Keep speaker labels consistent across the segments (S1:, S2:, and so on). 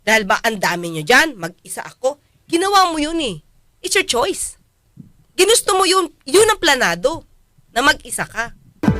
S1: Dahil ba ang dami nyo dyan, mag-isa ako. Ginawa mo yun eh. It's your choice. Ginusto mo yun. Yun ang planado. Na mag-isa ka.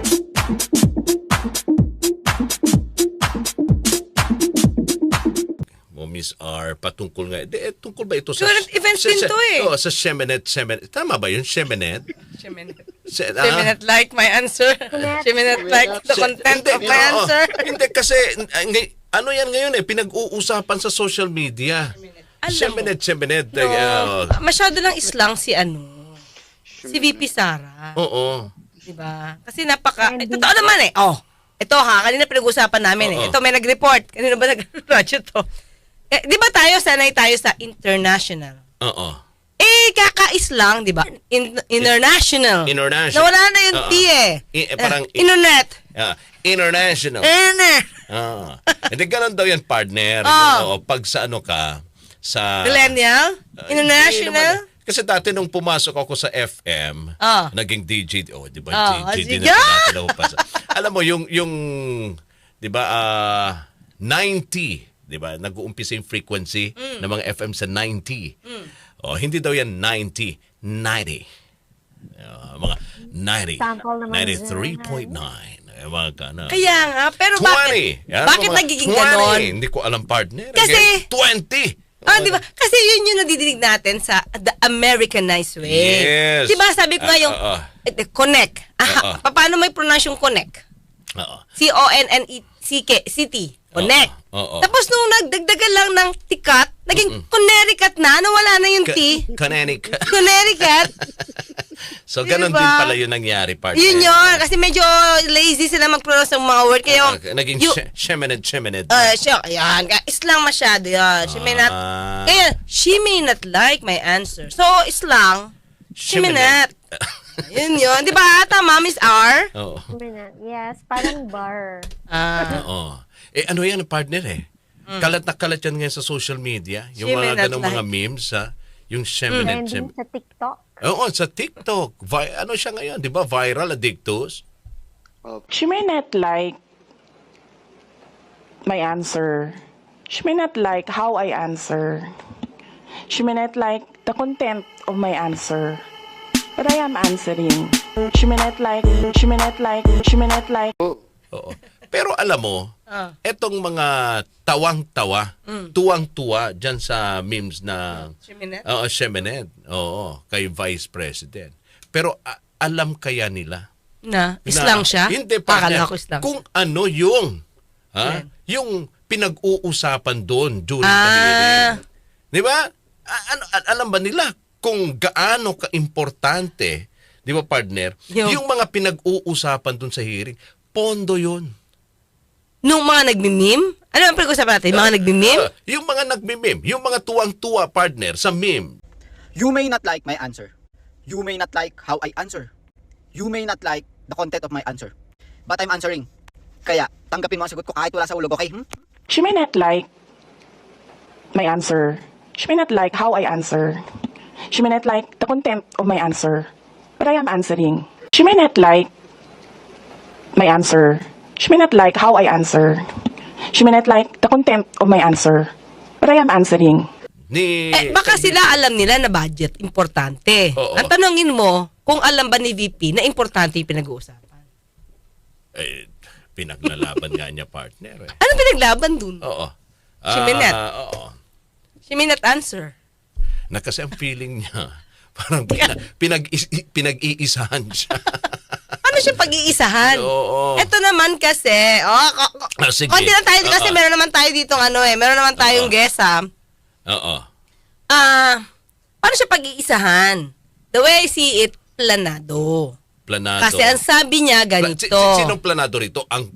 S2: Miss R, patungkol nga. Tungkol ba ito sa...
S1: Current events din to eh.
S2: Sa Shemenet. Tama ba yun? Shemenet?
S1: Shemenet like my answer. Shemenet like the content of my answer.
S2: Hindi kasi, ano yan ngayon eh, pinag-uusapan sa social media. Shemenet.
S1: Masyado lang islang si si VP Sara.
S2: Oo.
S1: Diba? Kasi totoo naman eh. Ito kanina pinag-usapan namin eh. Ito may nag-report. Kanina ba nag-radyo to? Di ba sanay tayo sa international?
S2: Oo.
S1: Kakaislang, di ba? International. Nawala na yung T eh.
S2: Parang...
S1: Internet.
S2: International. Hindi ganun daw yan, partner. Pag sa sa...
S1: Millennial? International?
S2: Kasi dati nung pumasok ako sa FM, naging DJ, di ba? DJ na alam mo, yung di ba, 90, di ba? Nag-uumpisa yung frequency ng mga FM sa 90. Hindi daw yan 90, 90. Mga 90, 93.9.
S1: Kaya nga, pero
S2: 20.
S1: Bakit nagiging ganon?
S2: Hindi ko alam, partner.
S1: Kasi
S2: 20.
S1: di ba? Kasi yun yung nadidinig natin sa the Americanized way.
S2: Yes.
S1: Di ba sabi ko nga yung connect. Paano may pronounce yung connect? C-O-N-N-E-C-K, city. Connect. Tapos nung nagdagdagan lang ng tikat, naging Connecticut na, nawala na yung T. Connecticut.
S2: So, ganun din pala yung nangyari, partner.
S1: Yun yun. Kasi medyo lazy sila mag-pronounce ng mga word. Kaya
S2: naging Shemenet.
S1: Ayan. Islang masyado yan. She may not like my answer. So, islang, she may not. Yun yun. Di ba? Tama, Miss R?
S2: Oo.
S3: Yes, parang bar.
S2: Oo. Ano yan, partner eh? Kalat na kalat yan ngayon sa social media. Yung mga ganong mga memes, yung Shemenet.
S3: Trending sa TikTok.
S2: Oo, sa TikTok. Ano siya ngayon, di ba? Viral, addictus.
S4: She may not like my answer. She may not like how I answer. She may not like the content of my answer. But I am answering. She may not like.
S2: Oo. Pero alam mo, etong mga tawang-tawa, tuwang-tuwa dyan sa memes na Shemenet. Oo, kay Vice President. Pero alam kaya nila?
S1: Islang siya?
S2: Hindi pa.
S1: Kung
S2: ano yung, yung pinag-uusapan doon during the hearing. Di ba? Alam ba nila kung gaano ka-importante, di ba partner, yung mga pinag-uusapan doon sa hearing, pondo yun.
S1: Nung mga nagmimim? Ano ang pag-usapan natin? Mga nagmimim?
S2: Yung mga nagmimim. Yung mga tuwang-tuwa, partner, sa meme.
S5: You may not like my answer. You may not like how I answer. You may not like the content of my answer. But I'm answering. Kaya, tanggapin mo ang sagot ko kahit wala sa ulog, okay?
S4: She may not like my answer. She may not like how I answer. She may not like the content of my answer. But I am answering. She may not like my answer. She may not like how I answer. She may not like the content of my answer. But I am answering.
S1: Baka sila alam nila na budget, importante. Ang tanongin mo, kung alam ba ni VP na importante yung pinag-uusapan?
S2: Pinaglalaban nga niya, partner.
S1: Ano pinaglaban dun?
S2: Oo.
S1: She may not.
S2: Oo.
S1: She may not answer.
S2: Kasi ang feeling niya, parang pinag-iisahan siya.
S1: Ano siya pag-iisahan?
S2: Oo.
S1: Ito naman kasi,
S2: sige.
S1: konti lang tayo kasi meron naman tayo dito meron naman tayong guest
S2: Oo.
S1: Paano siya pag-iisahan? The way I see it, planado. Kasi ang sabi niya ganito.
S2: Sinong planado rito? Ang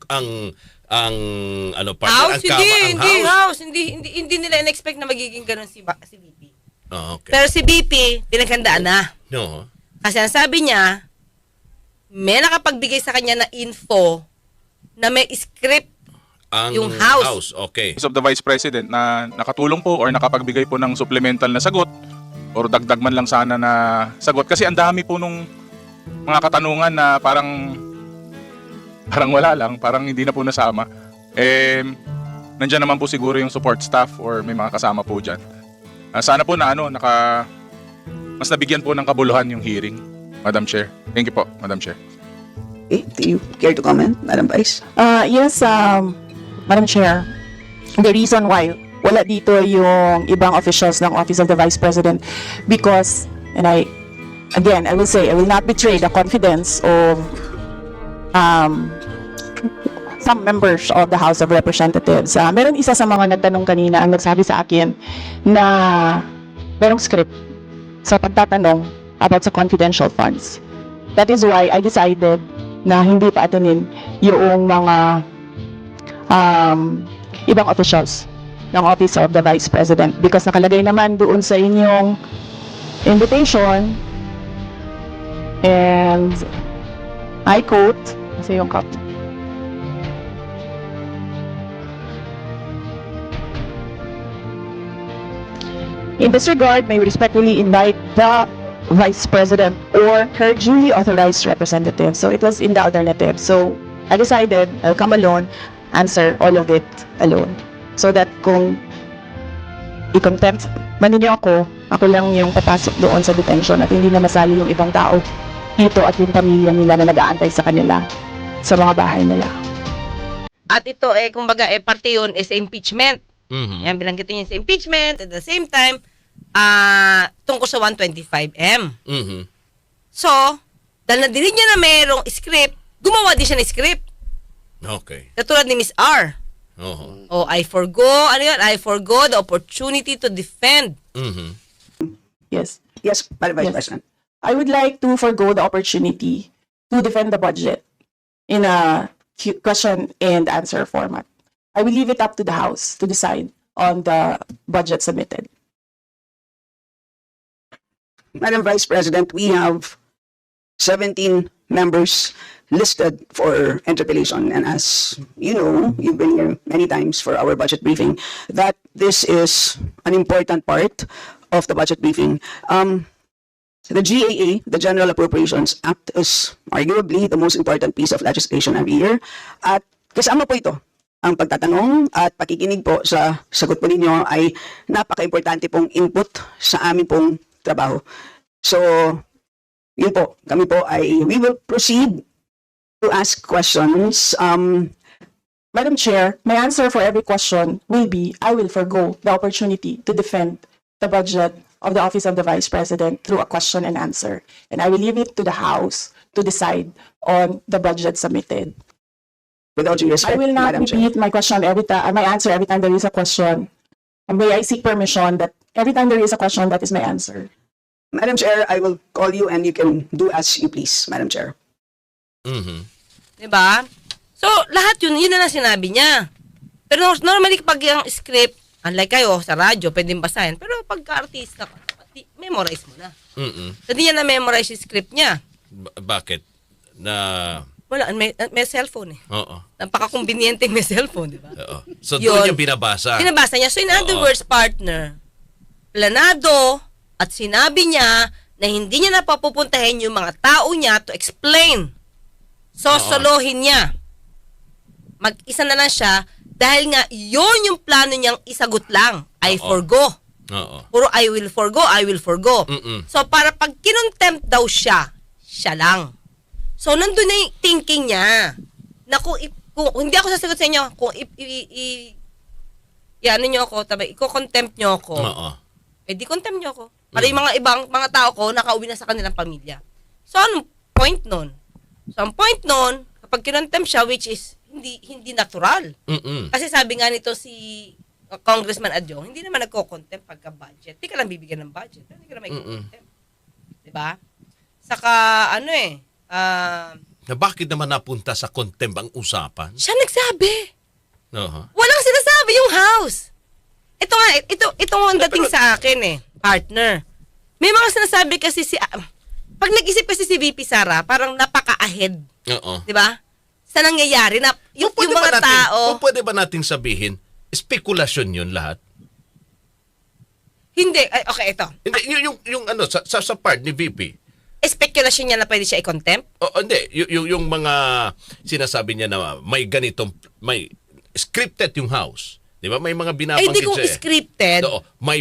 S1: House?
S2: Ang
S1: House. Hindi nila in-expect na magiging ganun si VP.
S2: Okay.
S1: Pero si VP, pinaghandaan na.
S2: No.
S1: Kasi ang sabi niya, may nakapagbigay sa kanya na info na may script yung house.
S2: Okay.
S6: Of the Vice President na nakatulong po or nakapagbigay po ng supplemental na sagot or dagdag man lang sana na sagot. Kasi ang dami po nung mga katanungan na parang wala lang, parang hindi na po nasama. Nandiyan naman po siguro yung support staff or may mga kasama po dyan. Sana po na mas nabigyan po ng kabuluhan yung hearing, Madam Chair. Thank you po, Madam Chair.
S7: Okay, do you care to comment, Madam Vice?
S4: Yes, Madam Chair, the reason why wala dito yung ibang officials ng Office of the Vice President because, and I will say, I will not betray the confidence of some members of the House of Representatives. Meron isa sa mga nagtanong kanina ang nagsabi sa akin na merong script sa pagtatanong about sa confidential funds. That is why I decided na hindi pa atunin yung mga ibang officials ng Office of the Vice President because nakalagay naman doon sa inyong invitation and I quote, kasi yung copy. In this regard, may we respectfully invite the Vice President or her duly authorized representative. So it was in the alternative. So I decided I'll come alone, answer all of it alone. So that kung i-contempt man ninyo ako lang yung papasok doon sa detention at hindi na masali yung ibang tao dito at yung pamilya nila na nag-aantay sa kanila sa mga bahay nila.
S1: At ito kumbaga parte yun is impeachment.
S2: Mhm.
S1: Yan, bilanggitin niya sa impeachment. At the same time, tungkol sa 125M.
S2: Mhm.
S1: So, dahil nadinig niya na mayroong script, gumawa din siya ng script.
S2: Okay.
S1: Katulad ni Miss R.
S2: Oo.
S1: I forgo the opportunity to defend.
S2: Mhm.
S4: Yes.
S7: Yes, Madam Vice
S4: Yes.
S7: President.
S4: I would like to forgo the opportunity to defend the budget in a question and answer format. I will leave it up to the House to decide on the budget submitted.
S7: Madam Vice President, we have 17 members listed for interpellation. And as you know, you've been here many times for our budget briefing, that this is an important part of the budget briefing. The GAA, the General Appropriations Act, is arguably the most important piece of legislation every year. At kasama po ito, ang pagtatanong at pakikinig po sa sagot po ninyo ay napaka-importante pong input sa amin pong trabaho. So, yun po, kami po we will proceed to ask questions.
S4: Madam Chair, my answer for every question will be I will forgo the opportunity to defend the budget of the Office of the Vice President through a question and answer. And I will leave it to the House to decide on the budget submitted.
S7: Without due respect,
S4: I will not
S7: Madam Chair.
S4: repeat my question my answer every time there is a question. May I seek permission that every time there is a question, that is my answer.
S7: Madam Chair, I will call you and you can do as you please, Madam Chair.
S2: Mhm.
S1: Diba? So, lahat yun na lang sinabi niya. Pero normally, pag yung script, unlike kayo, sa radyo, pwedeng basahin. Pero pagka-artista ka, memorize mo na.
S2: Mhm.
S1: Hindi niya na-memorize yung script niya.
S2: Bakit?
S1: Wala, may cellphone
S2: Oo.
S1: Napaka-conveniente may cellphone, di ba?
S2: Oo. So
S1: Yun.
S2: doon yung binabasa.
S1: Binabasa niya. So, in other
S2: Oo.
S1: words, partner, planado at sinabi niya na hindi niya napapupuntahin yung mga tao niya to explain. So,
S2: Oo.
S1: solohin niya. Mag-isa na lang siya dahil nga yun yung plano niyang isagot lang. I
S2: Oo.
S1: forgo.
S2: Oo.
S1: Puro I will forgo.
S2: Mm-mm.
S1: So, para pag kinontempt daw siya lang. So, nandun na yung thinking niya na kung hindi ako sasagot sa inyo, kung ano nyo ako, i-contempt nyo ako,
S2: Oo.
S1: di contempt nyo ako. Para yung mga ibang mga tao ko, nakauwi na sa kanilang pamilya. So, anong point nun? So, ang point nun, kapag kinontempt siya, which is hindi natural.
S2: Mm-mm.
S1: Kasi sabi nga nito si Congressman Adjong, hindi naman nagko-contempt pagka budget. Hindi ka lang bibigyan ng budget. Hindi ka lang contempt. Diba? Saka,
S2: Na bakit naman napunta sa contempt ang usapan?
S1: siya nagsabi.
S2: Oo.
S1: Walang sinasabi yung House. Ito nga, ito ang dating sa akin partner. May mga sinasabi kasi pag nag-isip kasi si VP Sara, parang napaka-ahead.
S2: Oo.
S1: Di ba? Sa nangyayari na yung mga tao,
S2: Pwede ba nating sabihin, spekulasyon yun lahat?
S1: hindi, okay, ito.
S2: Hindi, yung sa part ni VP.
S1: Speculation niya na pwede siya i-contempt.
S2: Hindi, yung mga sinasabi niya na may scripted yung House. Di ba? May mga
S1: Ay,
S2: binabanggit
S1: di kung
S2: siya.
S1: scripted.
S2: Oo, may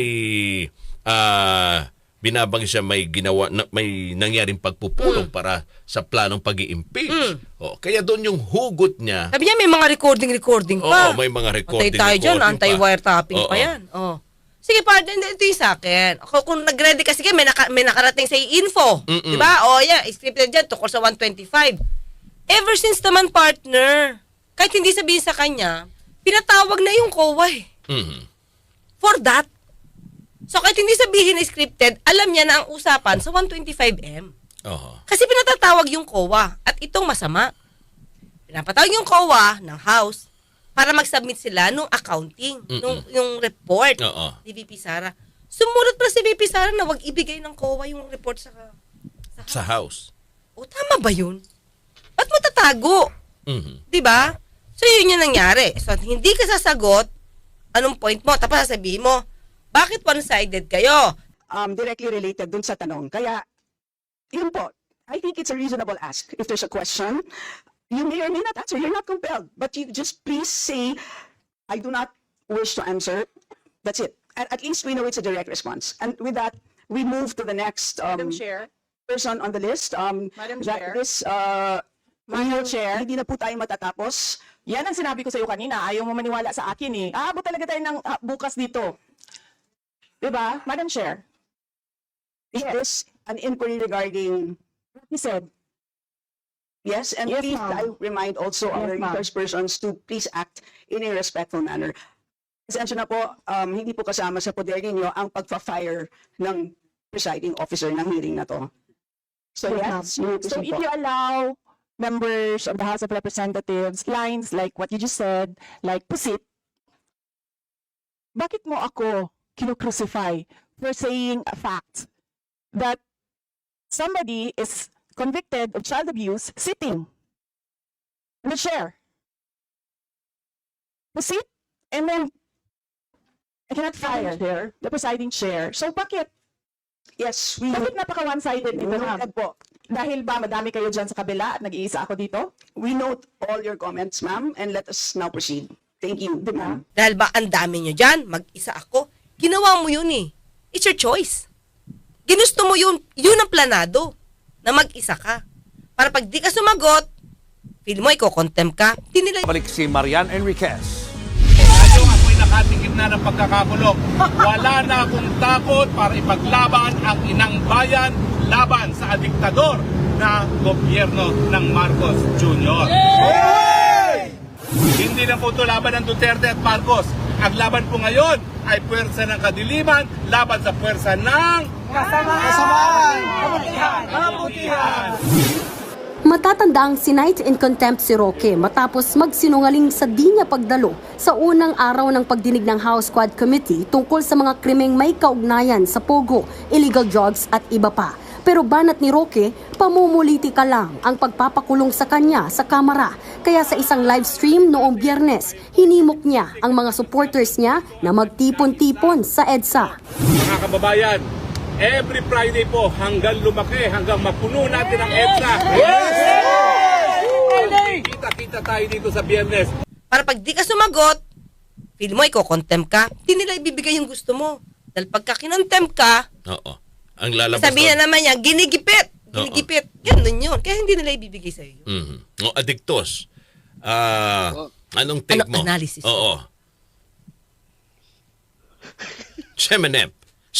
S2: binabanggit siya, may ginawa, may nangyaring pagpupulong para sa planong pag-i-impeach. Kaya doon yung hugot niya.
S1: Sabi niya, may mga recording pa.
S2: Oo, may mga recording.
S1: Patay tayo dyan,
S2: pa.
S1: anti-wiretapping pa
S2: Oo.
S1: yan. Oh. Sige, partner, ito yung sa akin. Ako, kung nag-ready ka, sige, may nakarating sa info. Di ba? O, yeah, scripted dyan, tukol sa 125. Ever since naman, partner, kahit hindi sabihin sa kanya, pinatawag na yung COA eh. For that. So, kahit hindi sabihin na scripted, alam niya na ang usapan sa 125M. Kasi pinatatawag yung COA. At itong masama. Pinapatawag yung COA ng House para mag-submit sila nung accounting, yung report ni VP Sara. Sumunod pa si VP Sara na wag ibigay ng COA yung report
S2: Sa House.
S1: O, tama ba yun? Ba't mo tatago? Diba? So, yun yung nangyari. So, hindi ka sasagot, anong point mo? Tapos sasabihin mo, bakit one-sided kayo?
S7: Directly related dun sa tanong. Kaya, yun po, I think it's a reasonable ask. If there's a question, you may or may not answer. You're not compelled. But you just please say, I do not wish to answer. That's it. At least we know it's a direct response. And with that, we move to the next
S4: Madam Chair.
S7: person on the list.
S4: Madam Chair.
S7: Madam Chair. Hindi na po tayo matatapos.
S4: Yan ang sinabi ko sa iyo kanina. Ayaw mo maniwala sa akin eh. Aabot talaga tayo ng bukas dito. Diba? Madam Chair.
S7: Is this an inquiry regarding
S4: He said,
S7: yes, and
S4: Yes,
S7: please,
S4: ma'am.
S7: I remind also our
S4: Yes, ma'am.
S7: resource persons to please act in a respectful manner. Pasensya na po, hindi po kasama sa poder ninyo ang pagpa-fire ng presiding officer ng hearing na to. So yes, you may
S4: so
S7: proceed
S4: if
S7: po.
S4: you allow members of the House of Representatives lines like what you just said, like pusit, bakit mo ako kinocrucify for saying a fact that somebody is convicted of child abuse sitting in the chair? Pusit, and then I cannot fire the presiding chair. So bakit?
S7: Yes, we
S4: Bakit napaka one-sided dito, ma'am?
S7: noted po.
S4: Dahil ba madami kayo dyan sa kabila at nag-iisa ako dito?
S7: We note all your comments, ma'am, and let us now proceed. Thank you, ma'am.
S1: Dahil ba ang dami nyo dyan, mag-isa ako. Ginawa mo yun eh. It's your choice. Ginusto mo yun ang planado, na mag-isa ka. Para pag di ka sumagot, feel mo, iko-contempt ka, di nila
S8: Balik si Marian Enriquez.
S9: Tayo ako'y nakatingin na ng pagkakakulong. Wala na akong takot para ipaglaban ang inang bayan laban sa diktador na gobyerno ng Marcos Jr. Hindi na po ito laban ng Duterte at Marcos. Ang laban po ngayon ay puwersa ng kadiliman laban sa puwersa ng kasamaan. Kabutihan.
S10: Matatanda ang sinight in contempt si Roque matapos magsinungaling sa di niya pagdalo sa unang araw ng pagdinig ng House Quad Committee tungkol sa mga krimeng may kaugnayan sa pogo, illegal drugs at iba pa. Pero banat ni Roque, pamumulitika lang ang pagpapakulong sa kanya sa kamera. Kaya sa isang live stream noong Biyernes, hinimok niya ang mga supporters niya na magtipon-tipon sa EDSA.
S9: Mga kababayan, every Friday po hanggang lumaki, hanggang mapuno natin ang EDSA. Kita-kita tayo dito sa Biyernes.
S1: para pag di ka sumagot, feel mo, iko-contempt ka, di nila ibibigay yung gusto mo. Dahil pagka kinontempt ka,
S2: Oo. Ang lalabas
S1: sabihin
S2: doon.
S1: naman niya, ginigipit. Ginigipit. Ganun yun. Kaya hindi nila ibibigay sa'yo.
S2: O, adiktos. Anong take
S1: Ano,
S2: mo?
S1: analysis?
S2: Oo. Semenep.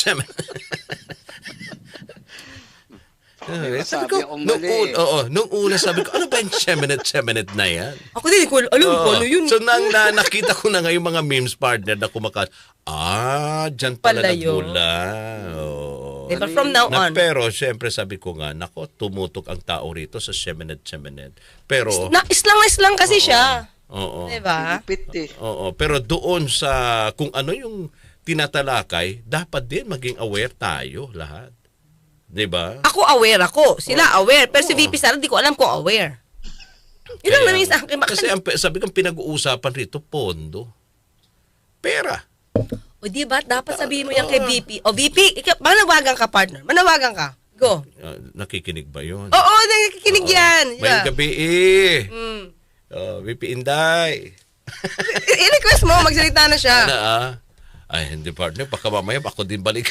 S2: Sabi ko, nung una sabi ko, ano ba yung semenet na yan?
S1: Ako din, alam ko, ano yun?
S2: So, nakita ko na nga yung mga memes partner na kumakas. Dyan pala
S1: Pala yun.
S2: nagmula. Oo.
S1: Diba, from now on.
S2: Pero, syempre, sabi ko nga, nako, tumutok ang tao rito sa semenet. Pero,
S1: Islang kasi siya.
S2: oo.
S1: Diba?
S2: Oo, pero doon sa kung ano yung tinatalakay, dapat din maging aware tayo lahat. 'Di ba?
S1: Ako aware ako. Sila aware. Pero si VP Sara, di ko alam kung aware. Yun lang namin sa akin.
S2: Kasi sabi kong pinag-uusapan rito, pondo. Pera.
S1: O di ba, dapat sabihin mo yan kay VP. O VP, manawagan ka partner. Manawagan ka. Go.
S2: Nakikinig ba yun?
S1: Oo, nakikinig yan.
S2: May gabi
S1: Mm.
S2: VP Inday.
S1: I-request mo, magsalita na siya.
S2: Ay, hindi partner, baka mamaya ako din balik.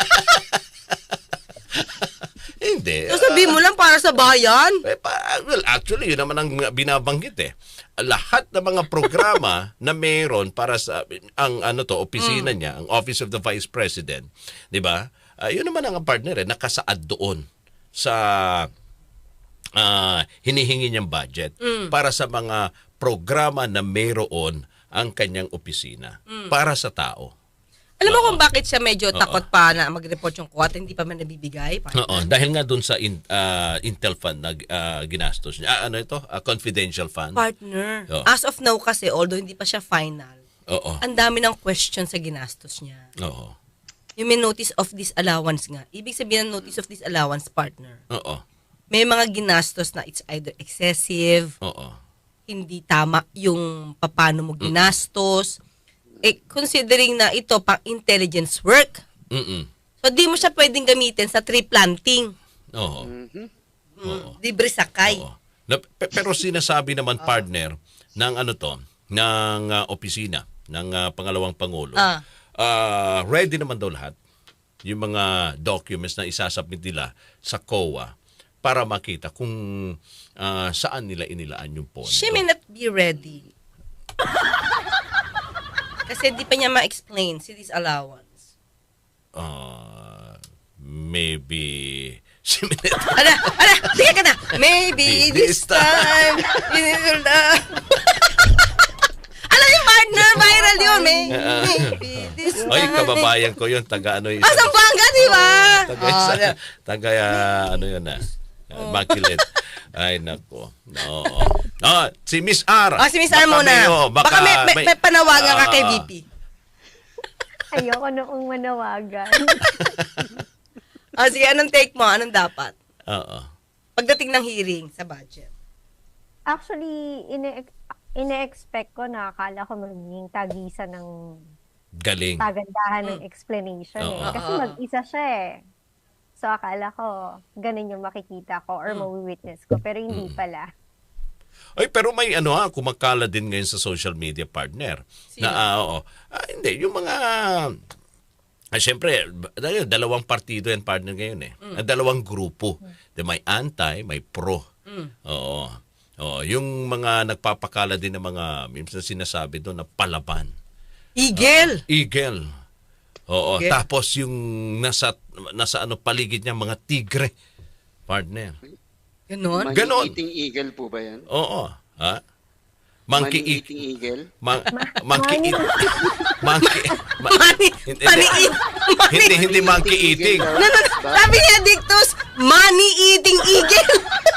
S2: Hindi.
S1: So sabihin mo lang para sa bayan.
S2: Well, actually, yun naman ang binabanggit eh. Lahat ng mga programa na mayroon para sa opisina niya, ang Office of the Vice President, 'di ba? Yun naman ang partner nakasaad doon sa hinihingi niyang budget para sa mga programa na mayroon ang kanyang opisina para sa tao.
S1: Alam mo kung bakit siya medyo takot pa na mag-report yung quota, hindi pa man nabibigay?
S2: Dahil nga doon sa Intel fund na ginastos niya. Confidential fund.
S1: Partner. As of now kasi, although hindi pa siya final, ang dami ng question sa ginastos niya. Yung may notice of disallowance nga. Ibig sabihin ng notice of disallowance, partner. May mga ginastos na it's either excessive, hindi tama yung paano mo ginastos, considering na ito pang intelligence work. So, di mo siya pwedeng gamitin sa tree planting. Libre sakay.
S2: Pero sinasabi naman, partner, ng ng opisina, ng pangalawang Pangulo, ready naman daw lahat yung mga documents na isasubmit nila sa COA para makita kung saan nila inilaan yung pondo.
S1: She may not be ready. Kasi di pa niya ma-explain si disallowance.
S2: Maybe...
S1: Sige ka na! Maybe this time, alam yung partner, viral yun. Maybe this time.
S2: Oy, kababayan ko yun. Taga-ano yun.
S1: Zamboanga, di ba?
S2: Makilit. Ay, nako. Si Miss R.
S1: Si Miss R muna. Baka may panawagan ka kay VP.
S3: Ayoko noong manawagan.
S1: Sige, anong take mo? Anong dapat?
S2: Pagdating
S1: ng hearing sa budget.
S3: Actually, ine-expect ko na akala ko magiging tagisan ng
S2: galing.
S3: Kagandahan ng explanation. Kasi mag-isa siya eh. So, akala ko, ganun yung makikita ko or mawi-witness ko. Pero hindi pala.
S2: Ay, pero may kumakala din ngayon sa social media, partner.
S1: Sino?
S2: Hindi, yung mga... Siyempre, dalawang partido yan, partner, ngayon eh. Dalawang grupo. May anti, may pro. Yung mga nagpapakala din ng mga, minsan sinasabi doon na palaban.
S1: Eagle!
S2: Eagle. Okay. Tapos yung nasa paligid niya mga tigre, partner.
S1: Ganon?
S2: Ganon.
S11: Eating eagle po ba yan?
S2: Oo. Ha? Monkey
S11: eating eagle?
S2: Monkey eating. Hindi monkey eating.
S1: Sabi niya, Dictus, money eating eagle.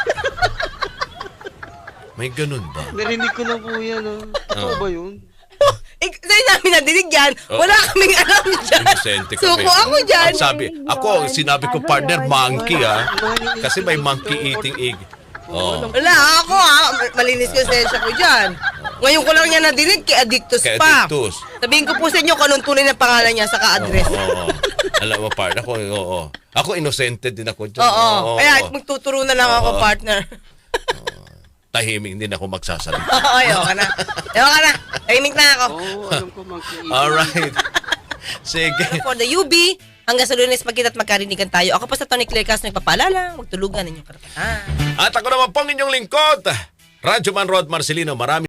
S2: May ganun ba?
S11: Narinig ko na po yan. Totoo ba yun?
S1: Sa'yo namin nadinig yan. Wala kaming alam dyan. Suko ako dyan.
S2: Sinabi ko, partner, monkey kasi may monkey eating egg.
S1: Wala ako malinis ko sensya ko dyan. Ngayon ko lang niya nadinig kay Addictus pa. Sabihin ko po sa inyo kung anong tunay na pangalan niya sa ka-address.
S2: Alam mo, partner, ako innocent din ako dyan.
S1: Kaya magtuturo na lang ako, partner.
S2: Tahimik din ako magsasalita.
S1: Ayoko na. Tahimik na ako.
S11: Alam ko monkey eating.
S2: Alright. Sige.
S1: For the UB, hanggang sa Lunes magkita at magkarinigan tayo. Ako pa sa Tony Claire Castro nagpapaalala, magtulugan ninyong karapatan.
S2: At ako naman pong inyong lingkod, Radyo Man Rod Marcelino. Marami